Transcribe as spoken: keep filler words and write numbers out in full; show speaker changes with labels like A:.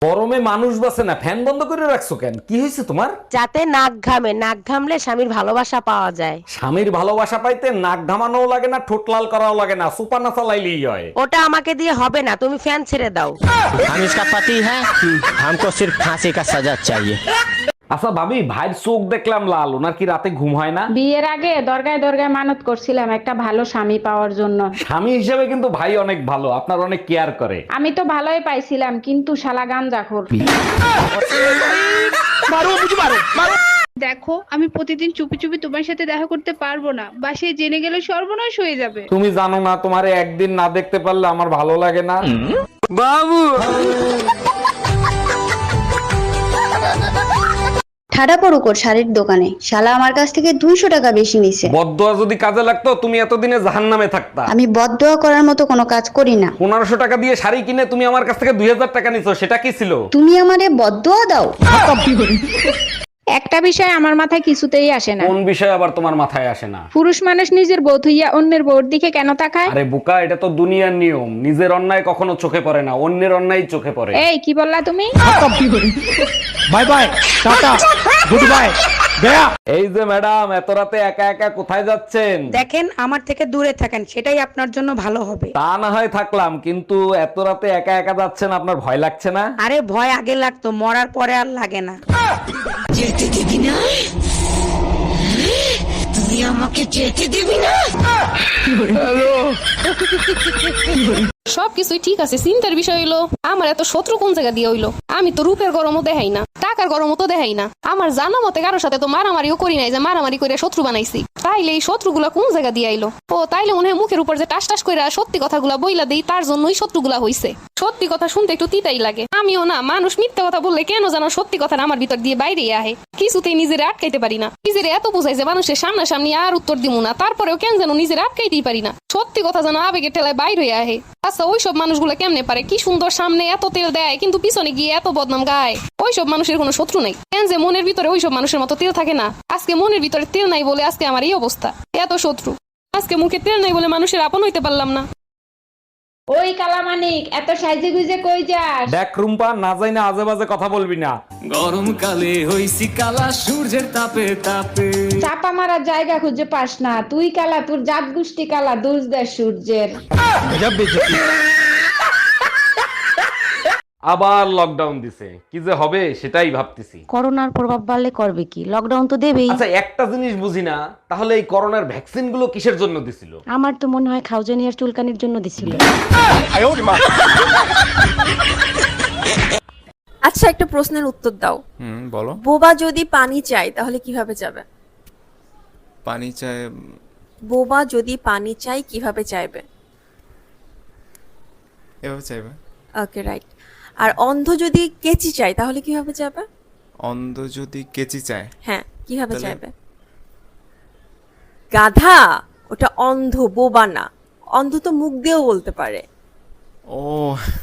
A: গরমে মানুষ বাঁচে না, ফ্যান বন্ধ করে রাখছো কেন? কি হয়েছে তোমার?
B: যাতে নাক ঘামে, নাক ঘামলে স্বামীর ভালোবাসা পাওয়া যায়।
A: স্বামীর ভালোবাসা পাইতে নাক ঘামানোও লাগে না, ঠোঁট লাল করাও লাগে না, সুপার না চালাইলেই হয়।
B: ওটা আমাকে দিয়ে হবে না, তুমি ফ্যান ছেড়ে দাও।
C: हम इसका पति है, हमको सिर्फ फांसी का सजा चाहिए।
A: আচ্ছা ভাবি, ভাইয়ের চোখ দেখলাম লাল, ওনার কি রাতে ঘুম হয় না?
D: বিয়ের আগে দরগায় দরগায় মানত করছিলাম একটা ভালো স্বামী পাওয়ার জন্য।
A: স্বামী হিসেবে কিন্তু ভাই অনেক ভালো, আপনার অনেক কেয়ার করে।
D: আমি তো ভালোই পাইছিলাম, কিন্তু শালা গাঞ্জাখোর।
E: দেখো, আমি প্রতিদিন চুপি চুপি তোমার সাথে দেখা করতে পারবো না, বাসায় জেনে গেলে সর্বনাশ হয়ে যাবে।
A: তুমি জানো না, তোমারে একদিন না দেখতে পারলে আমার ভালো লাগে না।
F: ঠাডা পড়ুক ওর শাড়ির দোকানে, শালা আমার কাছ থেকে দুইশো টাকা বেশি নিছে।
A: বদদোয়া যদি কাজে লাগতো তুমি এতদিনে জাহান্নামে থাকতা।
F: আমি বদদোয়া করার মতো কোনো কাজ করি না।
A: পনেরোশো টাকা দিয়ে শাড়ি কিনে তুমি আমার কাছ থেকে দুই হাজার টাকা নিছো, সেটা কি ছিল?
F: তুমি আমারে বদদোয়া দাও?
D: একটা বিষয় আমার মাথায় কিছুতেই আসে না,
A: কোন বিষয় আবার তোমার মাথায় আসে না?
D: পুরুষ মানুষ নিজের বউ থইয়া অন্যের বউর দিকে কেন তাকায়?
A: আরে বোকা, এটা তো দুনিয়ার নিয়ম। নিজের অন্যায় কখনো চোখে পড়ে না, অন্যের অন্যায় চোখে পড়ে।
D: এই কি বললা তুমি?
C: Bye bye tata goodbye गया।
A: এই যে ম্যাডাম, এত রাতে একা একা কোথায় যাচ্ছেন?
B: দেখেন, আমার থেকে দূরে থাকেন, সেটাই আপনার জন্য ভালো হবে।
A: তা না হয় থাকলাম, কিন্তু এত রাতে একা একা যাচ্ছেন, আপনার ভয় লাগছে না?
B: আরে ভয় আগে লাগতো, মরার পরে আর লাগে না। যেতে দিবি না, তুই আমাকে যেতে দিবি না।
G: সবকিছুই ঠিক আছে, চিন্তার বিষয় হইলো আমার এত শত্রু কোন জায়গা দিয়ে হইলো। আমি তো রূপের গরমও দেখাই না, টাকার গরমও তো দেখাই না। আমার জানা মতে কারোর সাথে তো মারামারিও করি নাই যে মারামারি করে শত্রু বানাইছি। তাইলে এই শত্রুগুলা কোন জায়গা দিয়ে আইলো? ও তাইলে মনে হয় মুখের উপর যে টাস টাস করে সত্যি কথাগুলা বইলা দেই, তার জন্যই শত্রুগুলা হইছে। সত্যি কথা শুনতে একটু তিতাই লাগে। আমিও না, মানুষ মিথ্যা কথা বললে কেন যেন সত্যি কথাটা আমার ভিতর দিয়ে বাইরে আহে। কিছুতেই নিজের আটকাইতে পারি না। নিজের এত বোঝাই যে মানুষের সামনাসামনি আর উত্তর দিব না, তারপরেও কেন যেন নিজের আটকাইতেই পারি না। সত্যি কথা যেন আবেগের ঠেলায় বাইরে আহে। আচ্ছা, ওইসব মানুষগুলো কেমনে পারে? কি সুন্দর সামনে এত তেল দেয়, কিন্তু পিছনে গিয়ে এত বদনাম গায়। ওইসব মানুষের কোনো শত্রু নাই। কেন যে মনের ভিতরে ওইসব মানুষের মতো তেল থাকে না? আজকে মনের ভিতরে তেল নাই বলে আজকে আমার এই অবস্থা, এত শত্রু। আজকে মুখে তেল নাই বলে মানুষের আপন হইতে পারলাম না।
D: ওই কালামানিক, এত সাইজে গুজে কই যাস?
A: দেখ রুম্পা, না যাই না আজে বাজে কথা বলবি না।
H: গরমকালে হইছি কালা সূর্যের তাপে তাপে।
D: চাপা মারার জায়গা খুঁজে পাস না, তুই কালা, তোর জাত গোষ্ঠী কালা, দুজ দেয় সূর্যের।
A: আবার লকডাউন দিছে, কি যে হবে সেটাই ভাবতেছি।
B: করোনার প্রভাব বাড়লে করবে কি? লকডাউন তো দেবেই।
A: আচ্ছা, একটা জিনিস বুঝি না, তাহলে এই করোনার ভ্যাকসিন গুলো কিসের জন্য দিছিল?
B: আমার তো মনে হয় খাউজানিয়ার চুলকানির জন্য দিছিল।
I: আচ্ছা, একটা প্রশ্নের উত্তর দাও।
J: হুম, বলো।
I: বোবা যদি পানি চায় তাহলে কিভাবে যাবে?
J: পানি চায়?
I: বোবা যদি পানি চায় কিভাবে চাইবে?
J: এভাবে চাইবে।
I: ওকে, রাইট। আর অন্ধ যদি কেচি চায় তাহলে কিভাবে যাবে?
J: অন্ধ যদি কেচি চায়?
I: হ্যাঁ, কিভাবে
J: তাহলে?
I: চাইবে? গাধা, ওটা অন্ধ, বোবা না। অন্ধ তো মুখ দিয়েও বলতে পারে।
J: ও